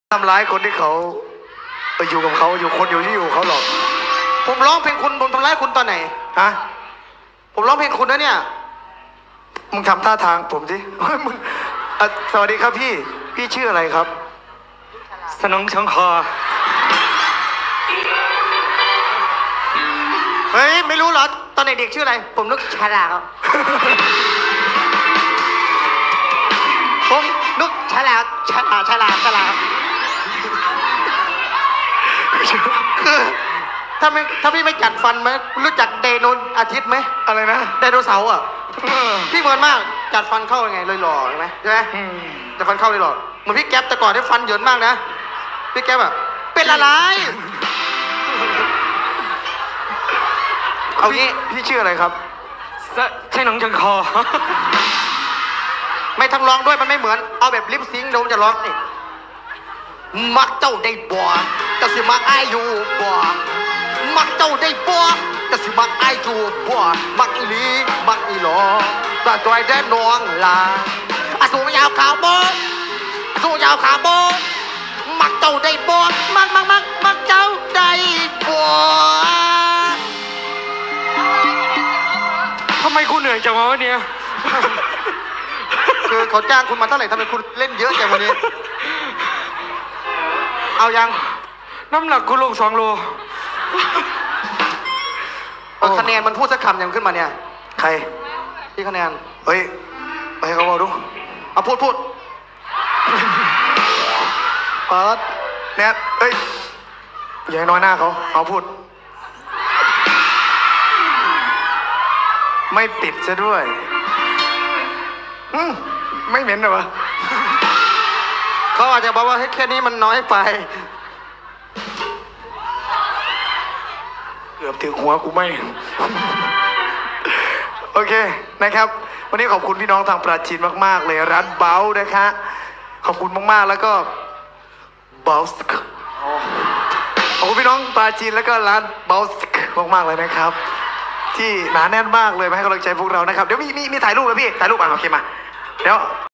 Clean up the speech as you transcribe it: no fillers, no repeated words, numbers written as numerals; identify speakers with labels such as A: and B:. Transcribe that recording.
A: ทำร้ายคนที่เขาไปอยู่กับเขาอยู่คนอยู่ที่อยู่เขาหรอก
B: ผมร้องเพลงคุณผมทำร้ายคุณตอนไหน
A: ฮะ
B: ผมร้องเพลงคุณนะเนี่ย
A: มึงทำท่าทางผมสิมึงสวัสดีครับพี่ชื่ออะไรครับ
C: สนองชังคอ
B: เฮ้ยไม่รู้เหรอตอนเด็กๆชื่ออะไรผมนึกฉลาดครับผมนึกฉลาดคือถ้าพี่ไม่จัดฟันไหมรู้จักไดโนอาทิตย์ไหม
A: อะไรนะ
B: ไดโนเสาร์อ่ะพี่เหมือนมากจัดฟันเข้ายังไงเลยหล่อใช่ไหมจัดฟันเข้าเลยหล่อเหมือนพี่แก๊ปแต่ก่อนได้ฟันเหยินมากนะพี่แก๊ปแบบเป็นอะไรเอางี้
A: พี่ชื่ออะไรครับ
C: ใช่หนองชังคอ
B: ไม่ทั้งร้องด้วยมันไม่เหมือนเอาแบบลิปซิงค์โดมจะร้องนี่มักเจ้าได้บ่ก็สิมักอายอยู่บ่มักเจ้าได้บ่ก็สิมักอายอยู่บ่มักอีหลีมักอีหลอตาตัวไอ้แดนน้องลาอาสูงยาวขาวบ่อาสูงยาวขาวบ่มักเจ้าได้บ่มักเจ้าได้บ่
C: ทำไมกูเหนื่อยจังวะวันนี้
B: คือเขาจ้างคุณมาเท่าไหร่ทำไมคุณเล่นเยอะจังวันนี้เอายัง
C: น้ำหนักกูลง2 โล
B: คะแนนมันพูดสักคำยังขึ้นมาเนี่ย
A: ใคร
B: ที่คะแนน
A: เฮ้ยไปให้เขาบอกดู
B: เอาพูด
A: เปิดแนทเอ้ยอย่าให้น้อยหน้าเขาเอาพูดไม่ปิดซะด้วยไม่เหม็นเหรอวะ
B: เขาอาจจะบอกว่าแค่นี้มันน้อยไป
A: เกือบถึงหัวกูไม่โอเคนะครับวันนี้ขอบคุณพี่น้องทางปราจีนมากๆเลยร้านเบลนะคะขอบคุณมากๆแล้วก็เบลส์ขอบคุณพี่น้องปราจีนแล้วก็ร้านเบลส์มากๆเลยนะครับที่หนาแน่นมากเลยมาให้กำลังใจพวกเรานะครับเดี๋ยวมีถ่ายรูปแล้วพี่ถ่ายรูปโอเคมาเดี๋ยว